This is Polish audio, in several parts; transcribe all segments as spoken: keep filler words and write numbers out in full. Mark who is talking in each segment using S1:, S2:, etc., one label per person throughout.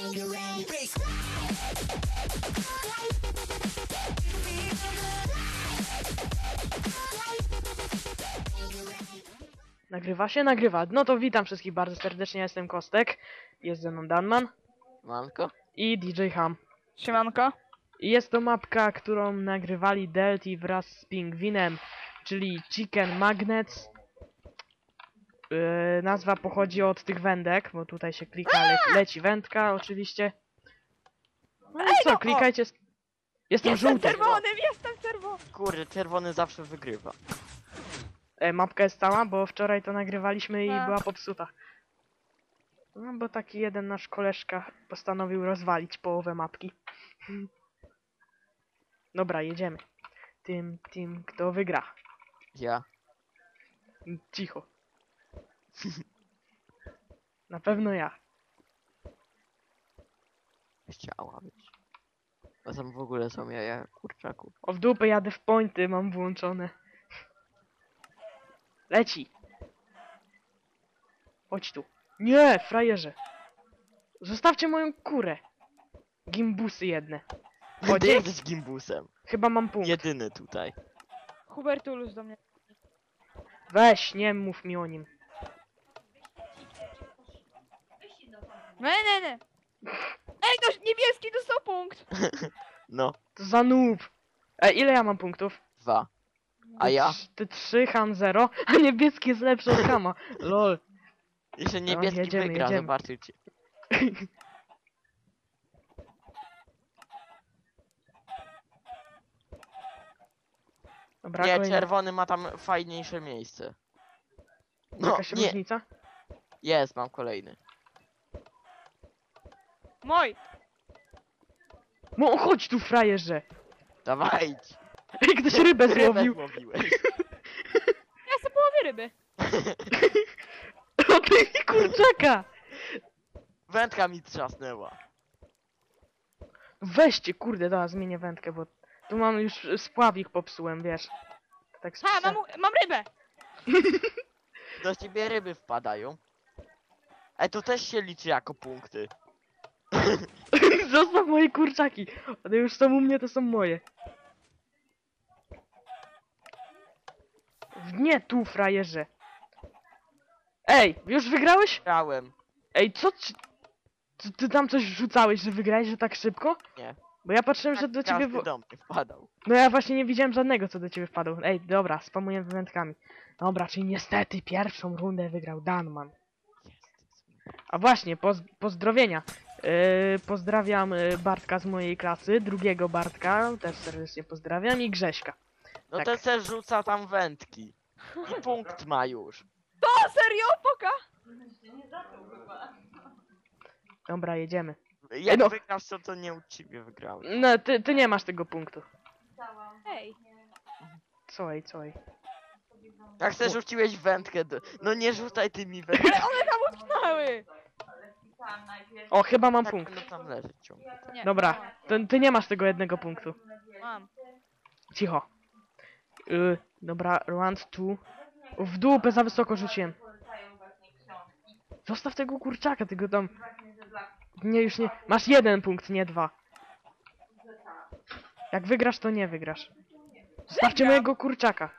S1: Nagrywa się? Nagrywa. No to witam wszystkich bardzo serdecznie, ja jestem Kostek. Jest ze mną Danman.
S2: Manko?
S1: I D J Ham.
S3: Siemanko.
S1: I jest to mapka, którą nagrywali Delty wraz z Pingwinem, czyli Chicken Magnets. Yy, nazwa pochodzi od tych wędek, bo tutaj się klika, le leci wędka oczywiście. No i co, klikajcie. Jestem
S3: Jestem
S1: żółty.
S3: czerwonym, jestem czerwony.
S2: Kurde, czerwony zawsze wygrywa.
S1: E, mapka jest cała, bo wczoraj to nagrywaliśmy i
S3: A.
S1: była popsuta. No bo taki jeden nasz koleżka postanowił rozwalić połowę mapki. Dobra, jedziemy. Tym, tym, kto wygra.
S2: Ja.
S1: Cicho. Na pewno ja.
S2: Chciała być. A tam w ogóle są jaja kurczaków.
S1: O w dupę jadę w pointy, mam włączone. Leci. Chodź tu. Nie, frajerze. Zostawcie moją kurę. Gimbusy jedne. O,
S2: Ty
S1: dzięki.
S2: jesteś gimbusem.
S1: Chyba mam punkt.
S2: Jedyny tutaj.
S3: Hubertulus do mnie.
S1: Weź, nie mów mi o nim.
S3: Nie, nie, nie. Ej, to niebieski dostał punkt.
S2: No,
S1: To za noob. E, ile ja mam punktów?
S2: dwa. A
S1: Ty
S2: ja?
S1: trz- Ty trzy, Han zero, a niebieski jest lepszy od Hama. Lol.
S2: Jeszcze niebieski
S1: jedziemy,
S2: wygra,
S1: jedziemy.
S2: zobaczycie.
S1: Dobra,
S2: Nie,
S1: kolejna.
S2: czerwony ma tam fajniejsze miejsce. No,
S1: Jakaś
S2: nie,
S1: różnica?
S2: jest, mam kolejny.
S3: Mój.
S1: No chodź tu, frajerze.
S2: Dawaj!
S1: Ej, ktoś rybę złowił.
S2: złowiłeś.
S3: Ja jestem połowie ryby.
S1: O ty kurczaka.
S2: Wędka mi trzasnęła.
S1: Weźcie, kurde, dobra, zmienię wędkę, bo tu mam już spławik popsułem, wiesz. Tak
S3: Ha,
S1: spisa-
S3: mam, mam rybę.
S2: Do ciebie ryby wpadają. Ej, to też się liczy jako punkty.
S1: Zostaw moje kurczaki. One już są u mnie, to są moje. Nie tu, frajerze. Ej, już wygrałeś?
S2: Grałem.
S1: Ej, co ci... Ty, ty tam coś rzucałeś, że wygrałeś, że tak szybko?
S2: Nie.
S1: Bo ja patrzyłem, że do ciebie...
S2: Każdy
S1: wo-
S2: do mnie wpadał.
S1: No ja właśnie nie widziałem żadnego, co do ciebie wpadł. Ej, dobra, spamuję wędkami. Dobra, czyli niestety pierwszą rundę wygrał Danman. A właśnie, poz pozdrowienia. Yy, pozdrawiam yy, Bartka z mojej klasy, drugiego Bartka, też serdecznie pozdrawiam, i Grześka.
S2: No
S1: Tak.
S2: ten se rzuca tam wędki. I punkt ma już.
S3: To serio? Poka?
S1: Dobra, jedziemy.
S2: Jak
S1: no.
S2: wygrasz, to to nie uczciwie wygrałem.
S1: No, ty, ty nie masz tego punktu.
S3: Ej.
S1: Co ej, co ej.
S2: Jak se rzuciłeś wędkę, do... no nie rzucaj tymi wędkami.
S3: One tam utknęły.
S1: O, chyba mam
S2: Tak
S1: punkt.
S2: będą tam leżeć ciągle.
S3: Nie,
S1: Dobra, ty, ty nie masz tego jednego punktu.
S3: Mam.
S1: Cicho. Yy, dobra, round two. W dupę za wysoko rzuciłem. Zostaw tego kurczaka, tego tam... Nie, już nie... Masz jeden punkt, nie dwa. Jak wygrasz, to nie wygrasz. Zostawcie
S3: Wygram.
S1: mojego kurczaka.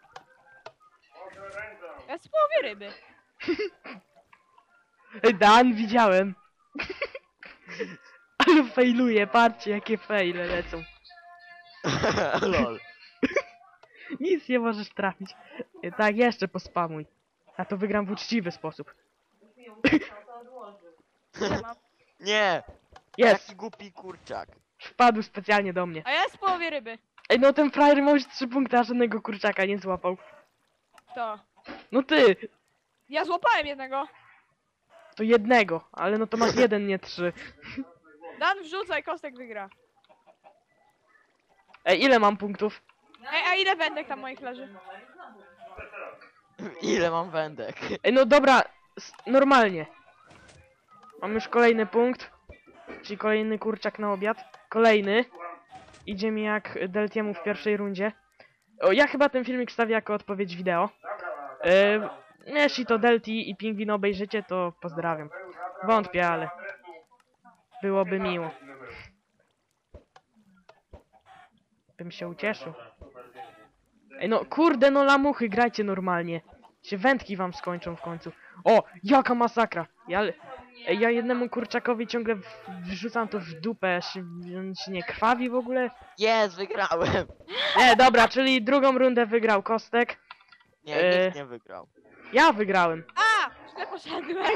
S3: Ja jestem połowie ryby.
S1: Ej, Dan, widziałem. Ale failuje, patrzcie jakie faile lecą.
S2: Lol.
S1: Nic nie możesz trafić. E, tak, jeszcze pospamuj. A to wygram w uczciwy sposób.
S3: Nie mam.
S2: Nie!
S1: Jest!
S2: Jaki głupi kurczak.
S1: Wpadł specjalnie do mnie.
S3: A ja jestem połowie ryby.
S1: Ej, no ten frajer ma już trzy punkty, a żadnego kurczaka nie złapał.
S3: To.
S1: No ty!
S3: Ja złapałem jednego.
S1: To jednego, ale no to masz jeden, nie trzy.
S3: Dan wrzucaj, Kostek wygra.
S1: Ej, ile mam punktów?
S3: Ej, a ile wędek tam moich leży?
S2: Ile mam wędek?
S1: Ej, no dobra, s- normalnie. Mam już kolejny punkt. Czyli kolejny kurczak na obiad. Kolejny. Idzie mi jak Deltiemu w pierwszej rundzie. O, ja chyba ten filmik wstawię jako odpowiedź wideo. Yy, jeśli to Delti i Pingwin obejrzycie, to pozdrawiam. Wątpię, ale... Byłoby miło. Bym się ucieszył. Ej no, kurde, no lamuchy, grajcie normalnie. Się wędki wam skończą w końcu. O, jaka masakra! Ja, ej, ja jednemu kurczakowi ciągle w- wrzucam to w dupę, się, on się nie krwawi w ogóle.
S2: Jest, wygrałem!
S1: Nie, dobra, czyli drugą rundę wygrał Kostek.
S2: Nie,
S1: E.
S2: nikt nie wygrał.
S1: Ja wygrałem.
S3: A! Źle poszedłem.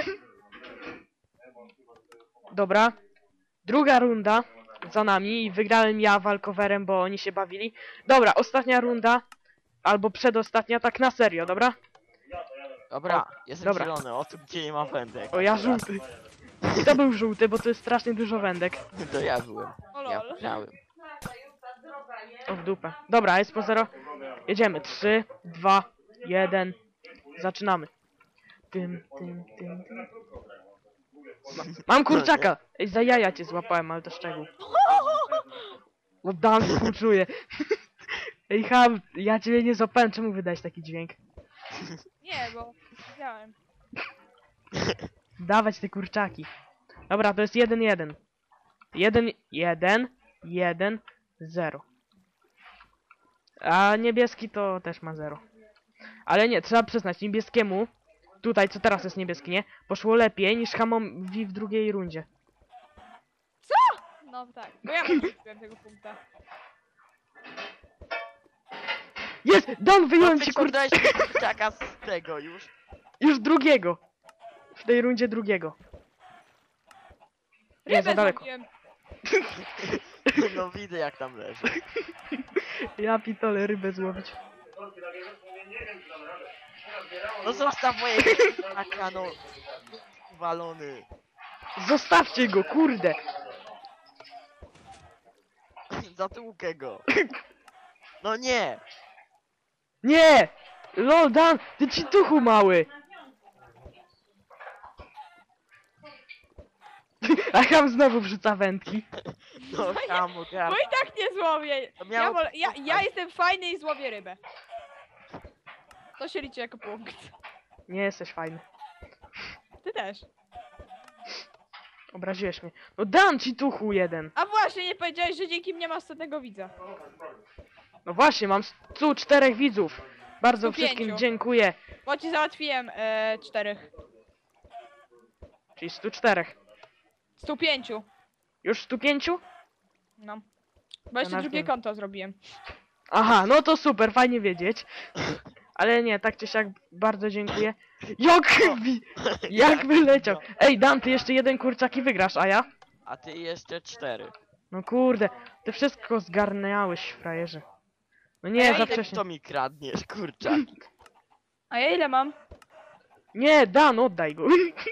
S1: Dobra. Druga runda za nami i wygrałem ja walkowerem, bo oni się bawili. Dobra, ostatnia runda. Albo przedostatnia, tak na serio, dobra?
S2: Dobra,
S1: O,
S2: jestem
S1: dobra.
S2: zielony, o tym gdzie nie ma wędek.
S1: O, ja
S2: Teraz.
S1: żółty. To był żółty, bo to jest strasznie dużo wędek.
S2: To ja byłem.
S3: O
S2: Ja
S3: lol.
S2: wygrałem.
S1: O, w dupę. Dobra, jest po zero. Jedziemy. trzy, dwa, jeden. Zaczynamy. Tym, tym, tym, tym. Ma- Mam kurczaka! Ej, za jaja cię złapałem, ale to szczegół. No dam, współczuję. Ej, ham, ja ciebie nie złapałem, czemu wydać taki dźwięk?
S3: Nie, bo widziałem.
S1: Dawać te kurczaki. Dobra, to jest jeden, jeden. Jeden, jeden, jeden, zero. A niebieski to też ma zero. Ale nie, trzeba przyznać, niebieskiemu, tutaj co teraz jest niebieski, nie? Poszło lepiej niż Hamowi w drugiej rundzie.
S3: No tak, bo ja mam tego punkta.
S1: Jest! Don, wyjąłem
S2: No
S1: ci kurczaka!
S2: wyciągnąłeś kurczaka z tego już.
S1: Już drugiego! W tej rundzie drugiego. Nie, za
S3: Rybę
S1: daleko.
S3: zrobiłem.
S2: No widzę jak tam leży.
S1: Ja pitole rybę złowić.
S2: No zostaw moje kurczaka, no. Walony.
S1: Zostawcie go, kurde!
S2: Zatłukę go. No nie!
S1: Nie! Lol, Dan, ty ci tuchu mały! A Ham znowu wrzuca wędki.
S2: No kamu,
S3: Bo i tak nie złowię.
S2: To
S3: Ja,
S2: miało
S3: wolę, ja,
S2: być
S3: ja jestem fajny i złowię rybę. To się liczy jako punkt.
S1: Nie jesteś fajny.
S3: Ty też.
S1: Obraziłeś mnie. No dam ci tuchu jeden.
S3: A właśnie, nie powiedziałeś, że dzięki mnie masz setnego widza.
S1: No właśnie, mam stu czterech widzów. Bardzo
S3: stu
S1: wszystkim
S3: pięciu.
S1: dziękuję.
S3: Bo ci załatwiłem e, czterech.
S1: Czyli stu czterech.
S3: stu pięciu.
S1: Już stu pięciu?
S3: No. Bo jeszcze
S1: na
S3: drugie
S1: wiem.
S3: konto zrobiłem.
S1: Aha, no to super, fajnie wiedzieć. Ale nie, tak czy siak bardzo dziękuję. Jak, wi- jak wyleciał. Ej, Dan, ty jeszcze jeden kurczak i wygrasz, a ja?
S2: A ty jeszcze cztery.
S1: No kurde, ty wszystko zgarniałeś, frajerze. No
S3: A
S1: nie,
S3: ja
S1: za
S3: idę
S1: wcześnie.
S2: To mi kradniesz, kurczaki.
S3: A ja ile mam?
S1: Nie, Dan, oddaj go.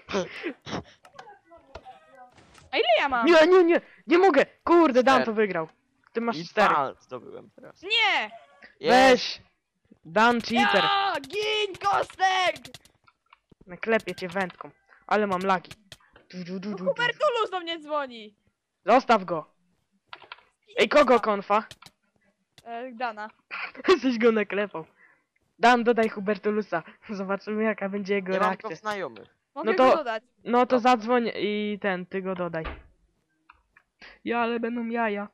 S3: A ile ja mam?
S1: Nie, nie, nie, nie mogę. Kurde, Dan
S2: Cztery.
S1: to wygrał. Ty masz
S2: I
S1: cztery.
S2: dwa zdobyłem teraz.
S3: Nie!
S2: Jest.
S1: Weź. Dan cheater.
S3: Ja! Gin kostek!
S1: Naklepię cię wędką. Ale mam lagi. Du, du, du, du, du.
S3: Hubertulus do mnie dzwoni.
S1: Zostaw go. Ej, kogo konfa?
S3: E, Dana.
S1: Coś go naklepał. Dan, dodaj Hubertulusa. Zobaczymy jaka będzie jego
S2: Nie mam go
S1: reakcja.
S2: w znajomych.
S3: Mogę
S1: No to-
S3: go dodać.
S1: No to zadzwoń i ten, ty go dodaj. Ja, ale będą jaja.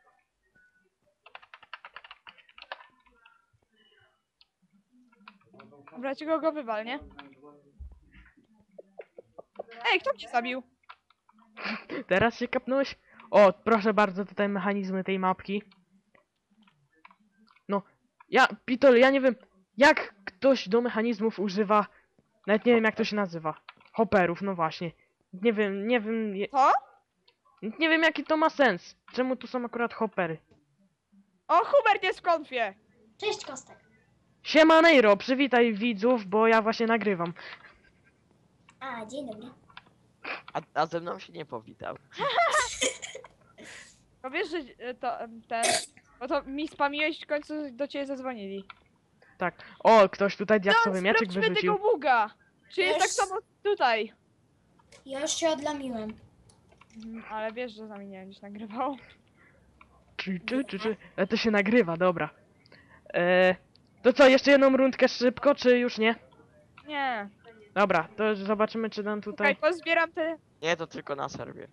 S3: Dobra, ci go, go wywal, nie? Ej, kto mnie zabił?
S1: Teraz się kapnąłeś? O, proszę bardzo, tutaj mechanizmy tej mapki. No, ja, Pitol, ja nie wiem, jak ktoś do mechanizmów używa, nawet nie wiem jak to się nazywa. Hopperów, no właśnie. Nie wiem, nie wiem, je,
S3: Co?
S1: nie wiem jaki to ma sens. Czemu tu są akurat hoppery?
S3: O, Hubert jest w konfie.
S4: Cześć Kostek.
S1: Siema Neiro, przywitaj widzów, bo ja właśnie nagrywam.
S4: A, dzień dobry.
S2: A, a ze mną się nie powitał.
S3: No wiesz, że e, to em, ten... Bo to mi spamiłeś, w końcu do ciebie zadzwonili.
S1: Tak. O, ktoś tutaj diaksowy
S3: No,
S1: mieczyk
S3: sprawdźmy
S1: wyrzucił.
S3: tego buga. Czy jest tak
S4: Jest.
S3: samo tutaj?
S4: Ja już się odlamiłem.
S3: Mhm, ale wiesz, że z nami nie będziesz nagrywał.
S1: Czy, czy, czy, czy. E, to się nagrywa, dobra. E, to co, jeszcze jedną rundkę szybko, czy już nie?
S3: Nie.
S1: Dobra, to zobaczymy, czy nam
S3: Czekaj,
S1: tutaj...
S3: pozbieram te...
S2: Nie, to tylko na serwie.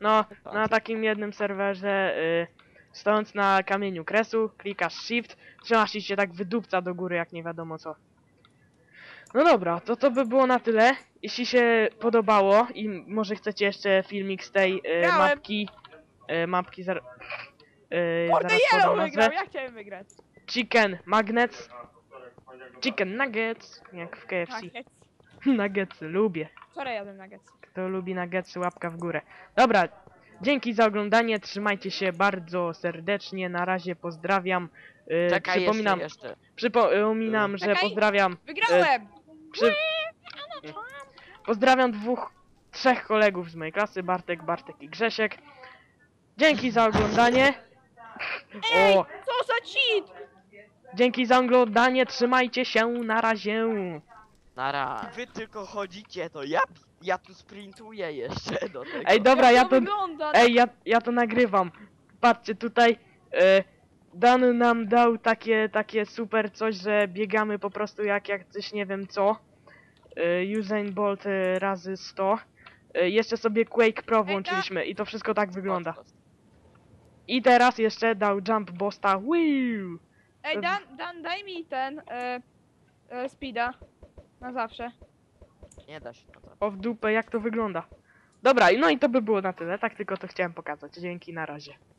S1: No, na takim jednym serwerze, y, stojąc na kamieniu kresu, klikasz shift, trzymasz i się tak wydupca do góry, jak nie wiadomo co. No dobra, to to by było na tyle. Jeśli się podobało i może chcecie jeszcze filmik z tej y,
S3: Grałem.
S1: mapki, y, mapki zar, y,
S3: Kurde,
S1: zaraz podam
S3: Yellow
S1: nazwę.
S3: wygrał, ja chciałem wygrać.
S1: Chicken Magnets, Chicken Nuggets, jak w K F C.
S3: Nuggets.
S1: Nuggetsy, lubię.
S3: Wczoraj jadłem nuggets.
S1: Kto lubi nuggetsy, łapka w górę. Dobra, dzięki za oglądanie, trzymajcie się bardzo serdecznie, na razie pozdrawiam. Yy,
S2: Czekaj
S1: przypominam,
S2: jeszcze, jeszcze.
S1: przypominam, że
S3: Czekaj.
S1: pozdrawiam,
S3: Wygrałem!
S1: przy, pozdrawiam dwóch, trzech kolegów z mojej klasy, Bartek, Bartek i Grzesiek. Dzięki za oglądanie.
S3: Ej,
S1: O,
S3: co za cheat!
S1: dzięki za oglądanie, trzymajcie się, na razie.
S2: Nara. Wy tylko chodzicie, to ja, ja tu sprintuję jeszcze do tego.
S1: Ej, dobra,
S3: Jak
S1: ja
S3: to
S1: to,
S3: wygląda?
S1: ej, ja, ja to nagrywam. Patrzcie, tutaj e, Dan nam dał takie, takie super coś, że biegamy po prostu jak, jak coś nie wiem co. E, Usain Bolt e, razy sto. E, jeszcze sobie Quake Pro włączyliśmy i to wszystko tak wygląda. I teraz jeszcze dał Jump Bosta. Wiu!
S3: Ej, Dan, Dan, daj mi ten, e, e, speeda. Na zawsze.
S2: Nie da się na to.
S1: O w dupę, jak to wygląda. Dobra, no i to by było na tyle. Tak tylko to chciałem pokazać. Dzięki, na razie.